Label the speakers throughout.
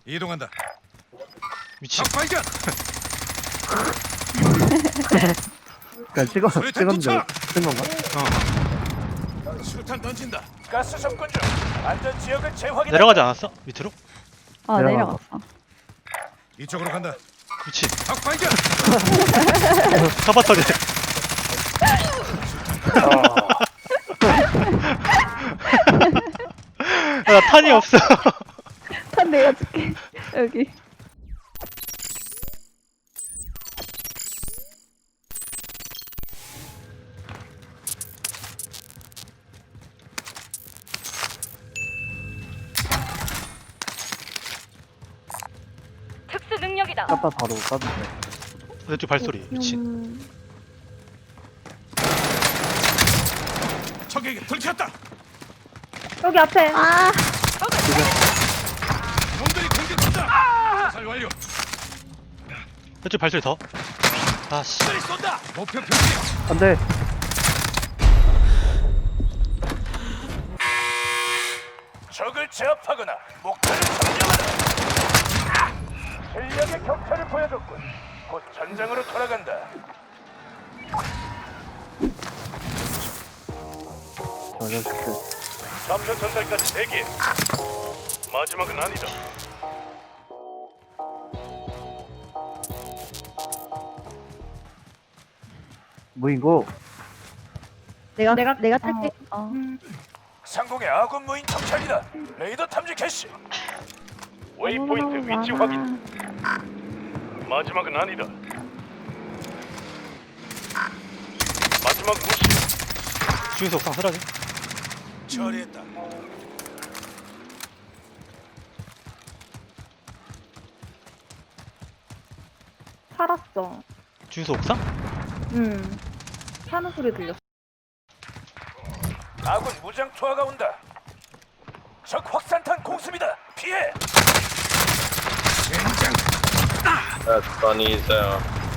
Speaker 1: 이동한다.
Speaker 2: 미친.
Speaker 1: 발견.
Speaker 3: 그냥 찍었는데 쓴 건가?
Speaker 1: 수류탄 던진다.
Speaker 4: 가스 접근 중. 안전 지역을 재확인.
Speaker 2: 내려가지 않았어? 밑으로?
Speaker 3: 내려가고.
Speaker 5: 내려갔어.
Speaker 1: 이쪽으로 간다.
Speaker 2: 미친.
Speaker 1: 적 발견.
Speaker 2: 카바터리. 나 탄이 없어.
Speaker 5: 탄 내가 줄게. 여기.
Speaker 6: 특수 능력이다.
Speaker 3: 까빠 바로 까는데.
Speaker 2: 왼쪽 발소리. 미친.
Speaker 1: 적에게 들켰다.
Speaker 5: 여기 앞에. 아.
Speaker 1: 놈들이 공격한다. 살 완료.
Speaker 2: 왼쪽 발소리 더. 아씨.
Speaker 1: 놈들이 쏜다. 목표 표시.
Speaker 3: 안 돼.
Speaker 4: 적을 제압하거나 목표를 점령하라. 실력의 격차를 보여줬군. 곧 전장으로 돌아간다.
Speaker 3: 저 자식들.
Speaker 4: 전면 전달까지 대기. 마지막은 아니다.
Speaker 3: 무인고.
Speaker 5: 내가 탈게.
Speaker 4: 상공의 아군 무인 정찰이다. 레이더 탐지 캐시. 웨이포인트 위치 확인. 마지막은 아니다. 마지막 무시.
Speaker 2: 주유소 옥상 쓰러지.
Speaker 1: 처리했다.
Speaker 5: 살았어.
Speaker 2: 주유소 옥상?
Speaker 5: 사는 소리 들렸어.
Speaker 4: 아군 무장 투하가 온다. 적 확산탄 공습이다. 피해.
Speaker 1: 젠장.
Speaker 7: That's funny as hell.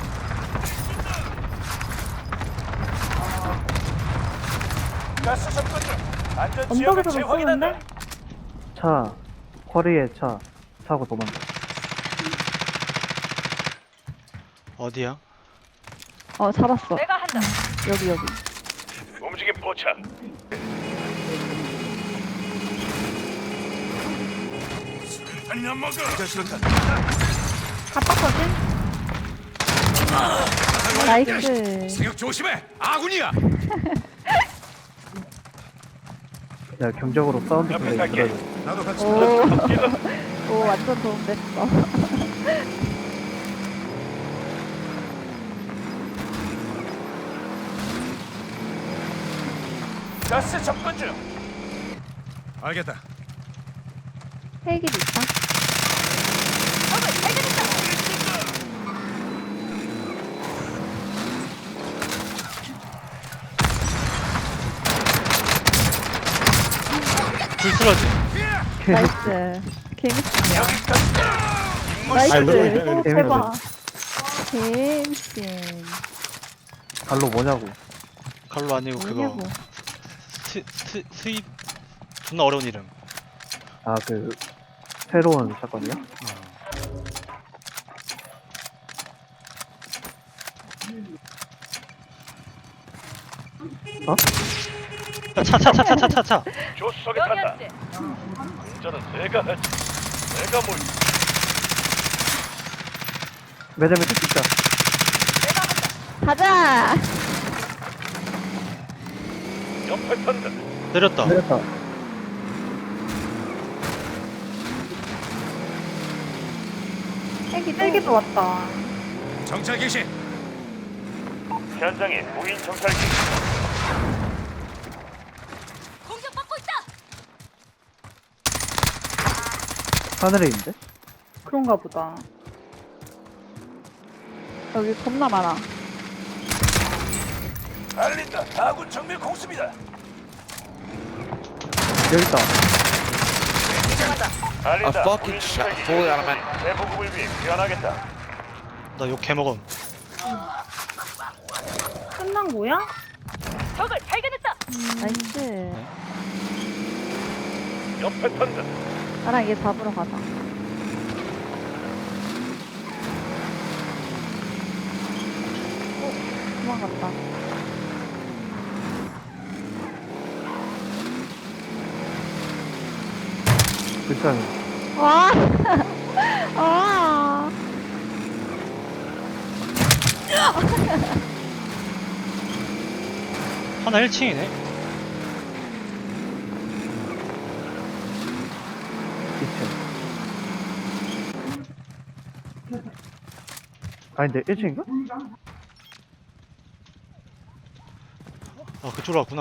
Speaker 4: 가스 접근 중. 안전 지역을
Speaker 5: 언덕에서
Speaker 4: 재확인한다.
Speaker 5: 쏘는데?
Speaker 3: 차. 허리에 차. 차고 도망가.
Speaker 2: 어디야?
Speaker 5: 잡았어.
Speaker 6: 내가 한다.
Speaker 5: 여기.
Speaker 4: 움직임 포착.
Speaker 1: 아니 안 먹어. 수류탄.
Speaker 5: 갑박거든? 나이스.
Speaker 1: 생각 조심해. 아군이야.
Speaker 3: 야, 경적으로 사운드
Speaker 4: 옆에
Speaker 3: 플레이
Speaker 4: 갈게.
Speaker 3: 들어야 돼.
Speaker 1: 나도 같이.
Speaker 5: 오, 완전 도움됐어.
Speaker 4: 가스 접근 중.
Speaker 1: 알겠다.
Speaker 5: 헬기도 있다.
Speaker 6: 적을 발견했다.
Speaker 2: 불 쓰러지.
Speaker 5: 나이스. 개미친이야.
Speaker 3: 아니,
Speaker 5: 나이스.
Speaker 3: 너무
Speaker 5: 오,
Speaker 3: 재밌네.
Speaker 5: 대박. 개미친.
Speaker 3: 갈로 뭐냐고.
Speaker 2: 갈로 아니고 그거.
Speaker 5: 뭐냐고.
Speaker 2: 스입. 존나 어려운 이름.
Speaker 3: 아, 새로운 사건이야?
Speaker 2: 차.
Speaker 4: 조수석에 탄다.
Speaker 6: 여기였지.
Speaker 4: 운전은 내가 하지. 내가 뭘
Speaker 3: 매점에 뜯기다.
Speaker 5: 가자.
Speaker 4: 옆에 탄다.
Speaker 2: 내렸다.
Speaker 3: 내렸다.
Speaker 5: 헬기도 왔다.
Speaker 1: 정찰 개시.
Speaker 4: 현장에 무인 정찰기.
Speaker 6: 공격받고 있다.
Speaker 3: 하늘에 있는데?
Speaker 5: 그런가 보다. 여기 겁나 많아.
Speaker 4: 알린다. 아군 정밀 공습이다.
Speaker 3: 여기 있다.
Speaker 4: 알린다.
Speaker 7: A fucking
Speaker 4: 무인
Speaker 7: shot.
Speaker 4: 정찰기.
Speaker 7: Fully automatic.
Speaker 4: 대보급을 위해 귀환하겠다.
Speaker 2: 나 욕 개먹음.
Speaker 5: 끝난 거야?
Speaker 6: 적을 발견했다.
Speaker 5: 나이스.
Speaker 4: 옆에 탄다.
Speaker 5: 나랑 얘 잡으러 가자. 도망갔다.
Speaker 3: 불쌍해.
Speaker 5: 와! 아!
Speaker 2: 하나 1층이네.
Speaker 3: 이층. 아닌데 1층인가?
Speaker 2: 아 그쪽으로 왔구나.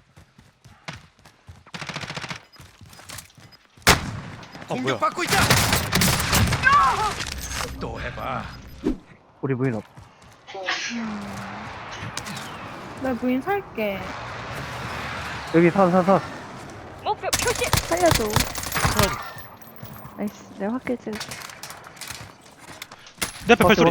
Speaker 2: 아 뭐야?
Speaker 1: 공격받고 있다. 또 해봐.
Speaker 3: 우리 부인 없.
Speaker 5: 내 부인 살게.
Speaker 3: 여기 산.
Speaker 6: 목표 표시.
Speaker 5: 살려줘.
Speaker 2: 하나
Speaker 5: 나이스. 내가 확킬 찍을게.
Speaker 2: 내 앞에 발소리.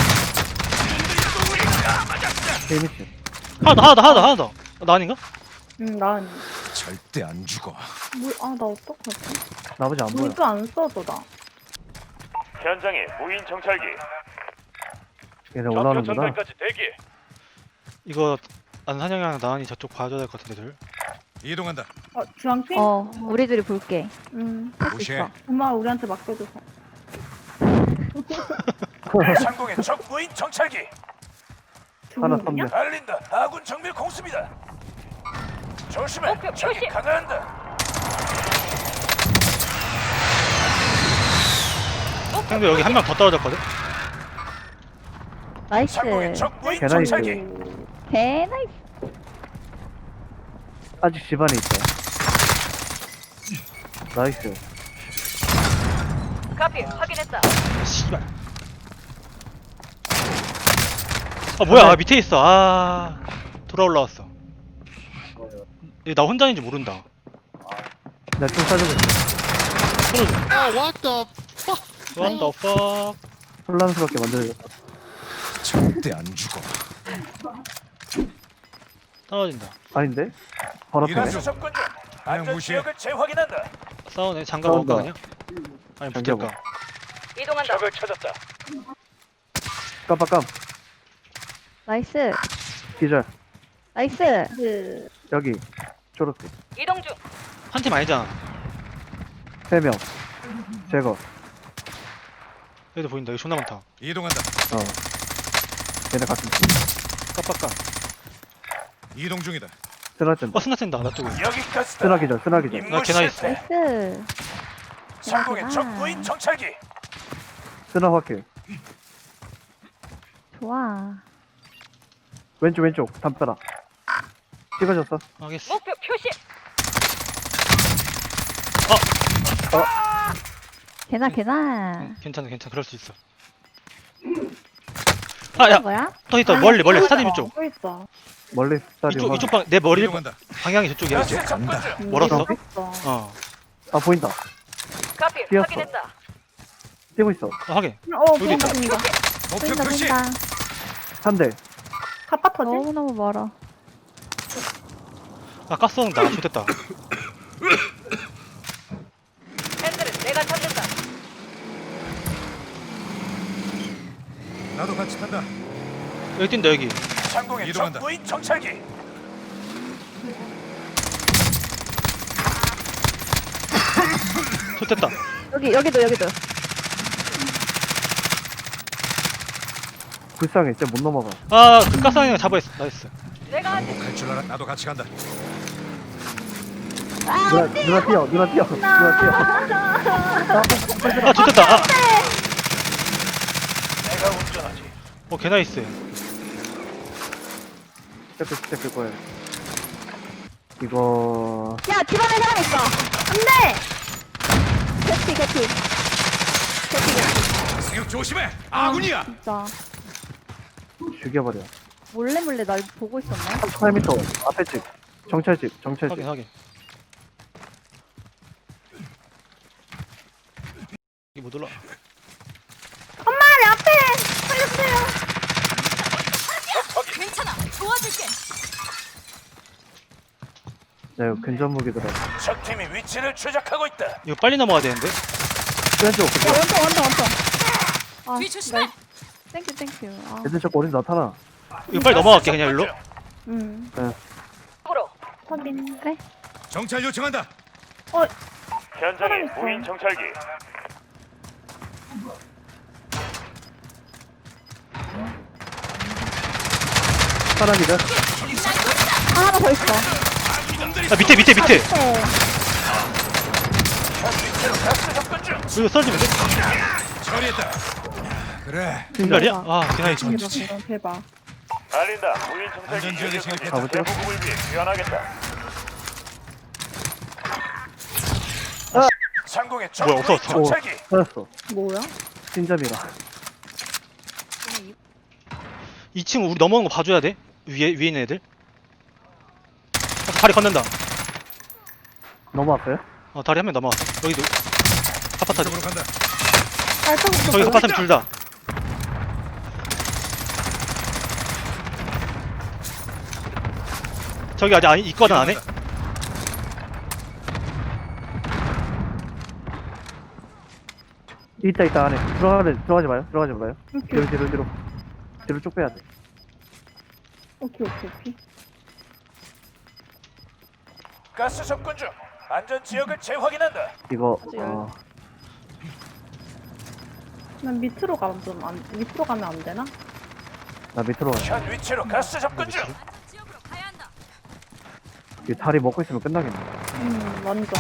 Speaker 3: 재밌지.
Speaker 2: 하나 더. 나 아닌가?
Speaker 5: 응, 난.
Speaker 1: 절대 안 죽어.
Speaker 5: 아, 나 어떡하지?
Speaker 3: 나머지 안 보여.
Speaker 5: 물도 안 써도 나.
Speaker 4: 현장에 무인 정찰기.
Speaker 3: 얘네
Speaker 4: 좌표
Speaker 3: 올라오는구나.
Speaker 4: 전달까지 대기.
Speaker 2: 이거 안산영이랑 나은이 저쪽 봐줘야 될 것 같은데 둘.
Speaker 1: 이동한다.
Speaker 5: 주황핑?
Speaker 8: 우리들이 볼게.
Speaker 5: 할 수
Speaker 1: 무시해.
Speaker 5: 있어. 엄마 우리한테 맡겨줘서.
Speaker 4: 상공의 적 무인 정찰기.
Speaker 3: 하나
Speaker 5: 주황핑이야?
Speaker 3: 선배.
Speaker 4: 알린다. 아군 정밀 공습이다. 조심해.
Speaker 6: 목표
Speaker 4: 적이
Speaker 6: 표시.
Speaker 4: 강화한다.
Speaker 2: 근데 여기 한 명 더 떨어졌거든?
Speaker 8: 나이스.
Speaker 4: 상공의 적 무인
Speaker 3: 개나이스.
Speaker 4: 정찰기.
Speaker 8: 개나이스.
Speaker 3: 아직 집안에 있어. 나이스.
Speaker 6: 카피 확인했다.
Speaker 2: 씨발. 아 뭐야? 아, 밑에 있어. 아 돌아 올라왔어. 얘 나 혼자인지 모른다.
Speaker 3: 나 좀 싸주고 있어.
Speaker 2: What the fuck?
Speaker 3: 혼란스럽게 만들어졌다.
Speaker 1: 절대 안 죽어.
Speaker 2: 떨어진다.
Speaker 3: 아닌데? 바로
Speaker 1: 이런
Speaker 3: 앞에.
Speaker 1: 중.
Speaker 4: 접근 중.
Speaker 1: 그냥
Speaker 4: 안전
Speaker 1: 무시해.
Speaker 4: 지역을 재확인한다.
Speaker 2: 싸우네. 장갑 먹을까 그냥? 아니
Speaker 3: 장갑
Speaker 2: 붙을까?
Speaker 6: 이동한다.
Speaker 4: 적을 찾았다.
Speaker 3: 깜빡깜.
Speaker 8: 나이스.
Speaker 3: 기절.
Speaker 8: 나이스.
Speaker 3: 여기. 초록색.
Speaker 6: 이동 중.
Speaker 2: 한 팀 아니잖아.
Speaker 3: 3명. 제거.
Speaker 2: 여기도 보인다. 여기 존나 많다.
Speaker 1: 이동한다.
Speaker 3: 얘네 같은 팀.
Speaker 2: 깜빡깜.
Speaker 1: 이동 중이다.
Speaker 3: 쓰나진다.
Speaker 2: 스나 쨘다. 나 쪽에.
Speaker 4: 여기까지다.
Speaker 3: 쓰나 기절. 쓰나 기절.
Speaker 4: 임무
Speaker 2: 개나
Speaker 4: 실패.
Speaker 8: 나이스.
Speaker 4: 상공의 적 무인 정찰기.
Speaker 3: 쓰나 확킬.
Speaker 8: 좋아.
Speaker 3: 왼쪽. 담벼락. 찍어줬어.
Speaker 2: 알겠어.
Speaker 6: 목표 표시.
Speaker 8: 개나.
Speaker 2: 괜찮아. 그럴 수 있어. 아, 야,
Speaker 8: 뭐야?
Speaker 2: 또 있다. 멀리 스타디움 이쪽.
Speaker 5: 또 있어.
Speaker 3: 멀리 스타디움.
Speaker 2: 이쪽 방, 내 머리
Speaker 1: 이동한다.
Speaker 2: 방향이 저쪽이야.
Speaker 4: 가스
Speaker 2: 이제.
Speaker 4: 접근 중.
Speaker 2: 멀었어?
Speaker 5: 있어.
Speaker 2: 어,
Speaker 3: 아 보인다.
Speaker 6: 카피
Speaker 3: 뛰었어.
Speaker 6: 확인했다.
Speaker 3: 뛰고 있어.
Speaker 2: 하게.
Speaker 5: 보인다.
Speaker 1: 목표
Speaker 8: 보인다
Speaker 1: 표시.
Speaker 8: 보인다.
Speaker 3: 한 대.
Speaker 5: 갑바 터지?
Speaker 8: 너무너무 멀어.
Speaker 2: 아, 가스 온다. 좋됐다.
Speaker 6: 핸들은 내가 잡는다.
Speaker 1: 나도 같이 탄다.
Speaker 2: 여기 뛴다, 여기.
Speaker 4: 상공의 적
Speaker 1: 이동한다.
Speaker 4: 무인 정찰기.
Speaker 2: 좋됐다.
Speaker 8: 여기도.
Speaker 3: 불쌍해. 진짜 못 넘어가.
Speaker 2: 아, 그 가스방향 잡아있어. 나이스.
Speaker 6: 내가 하지.
Speaker 1: 갈 줄 알아. 나도 같이 간다.
Speaker 3: 누나 뛰어.
Speaker 2: 아, 좋됐다. 아,
Speaker 4: 내가 운전하지.
Speaker 2: 개나이스.
Speaker 3: 시작할 거야. 이거
Speaker 8: 야, 집안에 사람 있어. 안 돼. 개피.
Speaker 1: 생각 조심해. 아군이야.
Speaker 8: 진짜.
Speaker 3: 죽여버려.
Speaker 8: 몰래 날 보고 있었네.
Speaker 3: 8m 앞에 집. 정찰집.
Speaker 2: 확인. 이게 못 올라.
Speaker 6: 괜찮아. 도와줄게.
Speaker 3: 네, 근접 무기더라.
Speaker 4: 적 팀이 위치를 추적하고 있다.
Speaker 2: 이거 빨리 넘어가야 되는데?
Speaker 3: 왼쪽.
Speaker 8: 원통. 아,
Speaker 6: 뒤 조심해.
Speaker 8: 땡큐. 아,
Speaker 3: 애들 자꾸 어디 나타나.
Speaker 2: 이거 빨리 넘어갈게 그냥 일로.
Speaker 6: 으로
Speaker 5: 확인.
Speaker 8: 그래.
Speaker 1: 정찰 요청한다.
Speaker 4: 현장에
Speaker 5: 사람 있어.
Speaker 4: 무인 정찰기.
Speaker 3: 사람이다.
Speaker 5: 하나 더 있어.
Speaker 2: 아 밑에 밑에 밑에.
Speaker 5: 네.
Speaker 4: 현 위치로 가스 접근 중.
Speaker 2: 이거 썰지면 돼?
Speaker 1: 처리했다. 그래.
Speaker 2: 중간이야? 아 그냥
Speaker 5: 대박, 대박.
Speaker 4: 알린다. 무인 정찰기
Speaker 1: 안전지역에
Speaker 4: 유닛
Speaker 1: 진입했다.
Speaker 3: 가보죠.
Speaker 4: 대부분을 위해 귀환하겠다. 상공의 적
Speaker 2: 뭐야,
Speaker 4: 무인
Speaker 2: 없어졌어.
Speaker 4: 정찰기.
Speaker 3: 찾았어.
Speaker 5: 뭐야?
Speaker 3: 신점이라.
Speaker 2: 2층 우리 넘어오는 거 봐줘야 돼. 위에 있는 애들. 다리 건넨다.
Speaker 3: 넘어왔어요?
Speaker 2: 다리 한 명 넘어왔어. 여기도 아파트.
Speaker 1: 쪽으로 간다.
Speaker 5: 발톱부터
Speaker 2: 저기 아파트 둘 다. 저기 아직 있거든 안에?
Speaker 3: 있다 안에. 들어가지 마요.
Speaker 5: 오케이,
Speaker 3: 뒤로 쭉 빼야 돼.
Speaker 5: 오케이.
Speaker 4: 가스 접근 중. 안전 지역을 재확인한다.
Speaker 3: 이거
Speaker 5: 난 밑으로 가면 밑으로 가면 안 되나?
Speaker 3: 나 밑으로 가야 돼.
Speaker 4: 현 위치로 가스 접근 중.
Speaker 6: 지역으로 가야 한다.
Speaker 3: 이 다리 먹고 있으면 끝나겠네.
Speaker 5: 완전.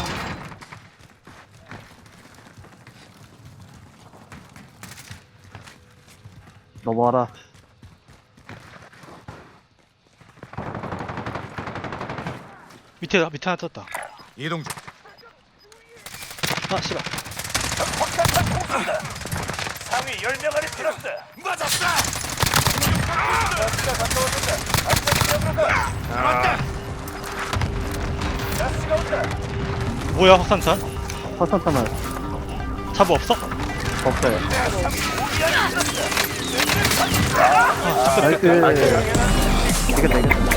Speaker 3: 넘어와라.
Speaker 2: 밑에 하나 떴다.
Speaker 1: 이동 중.
Speaker 2: 아 씨발.
Speaker 4: 적 확산탄 공습이다. 상위 10명 안에 들었어. 맞았어. 가스가 가까워진다. 안전 지역으로 가.
Speaker 1: 맞다.
Speaker 4: 가스가 온다.
Speaker 2: 뭐야 확산탄?
Speaker 3: 화산탄은
Speaker 2: 자부 없어?
Speaker 3: 없어요.
Speaker 2: 아 잠깐.
Speaker 3: 나이스. 이겼다.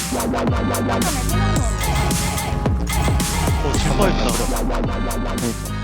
Speaker 2: 질 뻔했다.